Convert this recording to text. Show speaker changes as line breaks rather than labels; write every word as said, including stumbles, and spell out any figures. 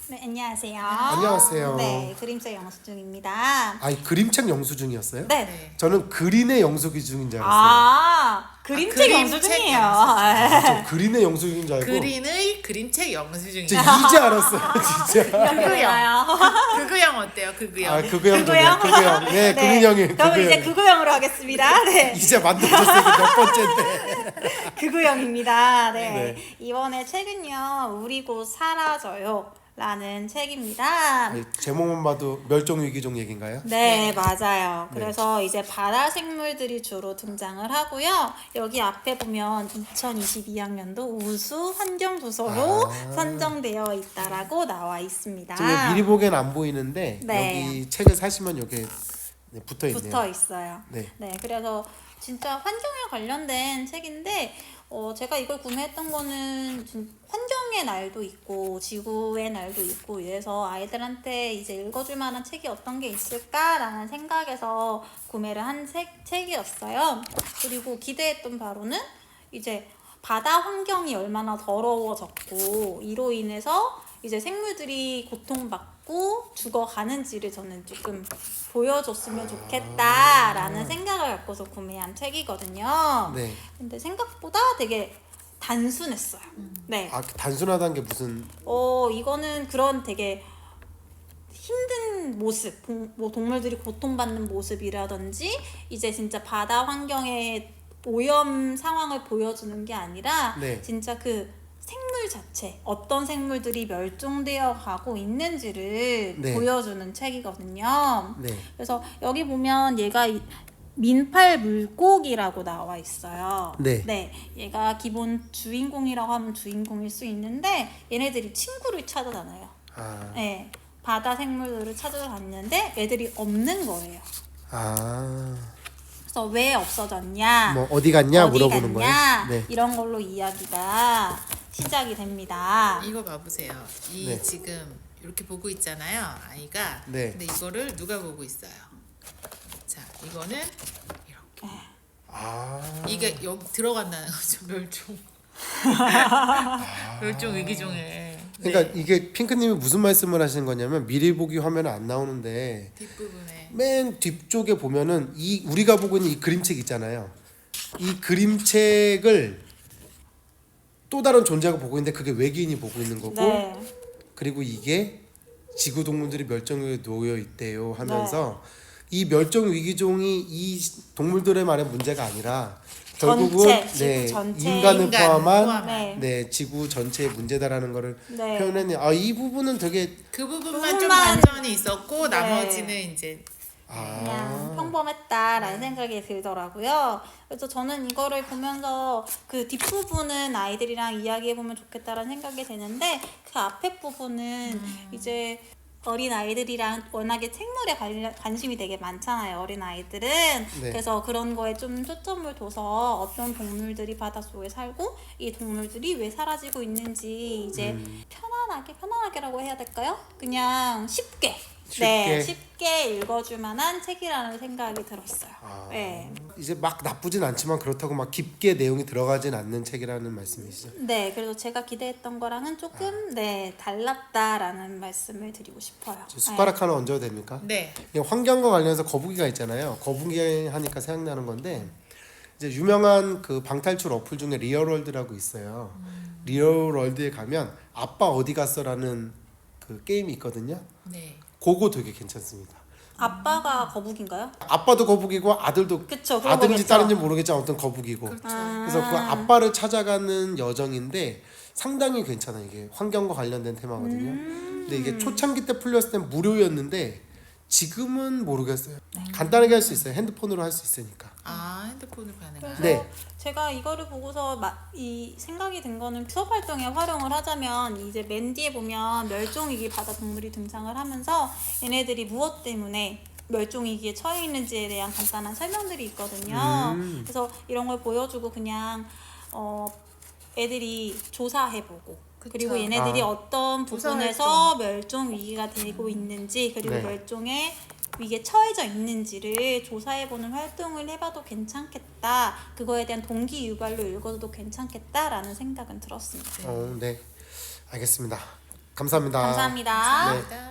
네, 안녕하세요.
안녕하세요.
네, 그림책 영수증입니다.
아니 그림책 영수증이었어요?
네.
네.
저는 그린의 영수증인 줄 알았어요.
아, 그림책
그림책
영수증이에요.
아, 저 그린의 영수증인 줄 알고
그린의 그림책 영수증이.
저 이제 알았어요, 진짜.
그거요.
그거형 어때요? 그거형.
아 그거형 좋네요.
그거요?
그거형. 네, 그린형이
그럼 이제
그거형.
그거형으로 하겠습니다. 네.
이제 만들어졌으니까 몇 번째인데.
그거형입니다. 네.
네.
이번에 책은요, 우리 곧 사라져요. 라는 책입니다.
네, 제목만 봐도 멸종위기종 얘기인가요?
네,
네.
맞아요.
네.
그래서 이제 바다 생물들이 주로 등장을 하고요. 여기 앞에 보면 이천이십이 학년도 우수 환경 도서로
아.
선정되어 있다라고 나와 있습니다.
지금 미리 보기엔 안 보이는데
네.
여기 책을 사시면 여기 네, 붙어 있네요.
붙어 있어요.
네.
네, 그래서 진짜 환경에 관련된 책인데 어, 제가 이걸 구매했던 거는 진- 환경의 날도 있고 지구의 날도 있고 이래서 아이들한테 이제 읽어줄 만한 책이 어떤 게 있을까라는 생각에서 구매를 한 책, 책이었어요. 그리고 기대했던 바로는 이제 바다 환경이 얼마나 더러워졌고 이로 인해서 이제 생물들이 고통받고 죽어가는지를 저는 조금 보여줬으면 좋겠다라는 생각을 갖고서 구매한 책이거든요.
네.
근데 생각보다 되게 단순했어요. 네.
아 단순하다는 게 무슨
어, 이거는 그런 되게 힘든 모습, 동, 뭐 동물들이 고통받는 모습이라든지 이제 진짜 바다 환경의 오염 상황을 보여주는 게 아니라
네.
진짜 그 생물 자체, 어떤 생물들이 멸종되어 가고 있는지를
네.
보여주는 책이거든요.
네.
그래서 여기 보면 얘가 이- 민팔 물고기라고 나와 있어요.
네.
얘가 기본 주인공이라고 하면 주인공일 수 있는데 얘네들이 친구를 찾아다녀요.
아,
네. 바다 생물들을 찾아다니는데 애들이 없는 거예요.
아,
그래서 왜 없어졌냐?
뭐 어디 갔냐
어디
물어보는
갔냐?
거예요. 네.
이런 걸로 이야기가 시작이 됩니다.
이거 봐보세요. 이
네.
지금 이렇게 보고 있잖아요, 아이가.
네.
근데 이거를 누가 보고 있어요? 자, 이거는 이렇게.
아,
이게 여기 들어간다는 거죠, 멸종. 멸종 위기종에.
그러니까 이게 핑크님이 무슨 말씀을 하시는 거냐면 미리 보기 화면은 안 나오는데
뒷부분에.
맨 뒤쪽에 보면은 이 우리가 보고 있는 이 그림책 있잖아요. 이 그림책을 또 다른 존재가 보고 있는데 그게 외계인이 보고 있는 거고
네.
그리고 이게 지구 동물들이 멸종위기에 놓여 있대요 하면서
네.
이 멸종 위기종이 이 동물들의 말의 문제가 아니라
전체,
결국은
지구
네,
전체.
인간을
인간
포함한
포함한.
네.
네 지구 전체의 문제다라는 거를
네.
표현했네요. 아 이 부분은 되게
그 부분만 좀
부분만-
반전이 있었고
네.
나머지는 이제
그냥
아
평범했다라는 생각이 들더라고요. 그래서 저는 이거를 보면서 그 뒷부분은 아이들이랑 이야기해보면 좋겠다라는 생각이 드는데 그 앞에 부분은 이제 어린 아이들이랑 워낙에 생물에 관련, 관심이 되게 많잖아요. 어린 아이들은.
네.
그래서 그런 거에 좀 초점을 둬서 어떤 동물들이 바닷속에 살고 이 동물들이 왜 사라지고 있는지 이제
음.
편안하게 편안하게라고 해야 될까요? 그냥 쉽게
쉽게.
네, 쉽게 읽어줄 만한 책이라는 생각이 들었어요.
아,
네.
이제 막 나쁘진 않지만 그렇다고 막 깊게 내용이 들어가진 않는 책이라는 말씀이시죠?
네, 그래서 제가 기대했던 거랑은 조금 네 달랐다라는 말씀을 드리고 싶어요.
저 숟가락 하나 얹어도 됩니까?
네.
이 환경과 관련해서 거북이가 있잖아요. 거북이 하니까 생각나는 건데 이제 유명한 그 방탈출 어플 중에 리얼월드라고 있어요. 리얼월드에 가면 아빠 어디 갔어라는 그 게임이 있거든요.
네.
그거 되게 괜찮습니다.
아빠가 거북인가요?
아빠도 거북이고 아들도
그쵸, 그런
아들인지
거겠죠.
딸인지 모르겠지만 어떤 거북이고
그렇죠.
아.
그래서 그 아빠를 찾아가는 여정인데 상당히 괜찮아요. 이게 환경과 관련된 테마거든요.
음.
근데 이게 초창기 때 풀렸을 땐 무료였는데 지금은 모르겠어요.
네.
간단하게 할 수 있어요. 핸드폰으로 할 수 있으니까.
아, 핸드폰을 가능한.
그래서
네.
제가 이거를 보고서 마, 이 생각이 든 거는 수업 활동에 활용을 하자면 이제 맨 뒤에 보면 멸종위기 바다 동물이 등장을 하면서 얘네들이 무엇 때문에 멸종위기에 처해 있는지에 대한 간단한 설명들이 있거든요.
음.
그래서 이런 걸 보여주고 그냥 어, 애들이 조사해보고
그쵸.
그리고 얘네들이
아.
어떤
조사
부분에서 멸종 위기가 되고 있는지 그리고
네.
멸종에 위기에 처해져 있는지를 조사해보는 활동을 해봐도 괜찮겠다. 그거에 대한 동기 유발로 읽어도 괜찮겠다라는 생각은 들었습니다.
어, 네. 알겠습니다. 감사합니다.
감사합니다.
네.
감사합니다.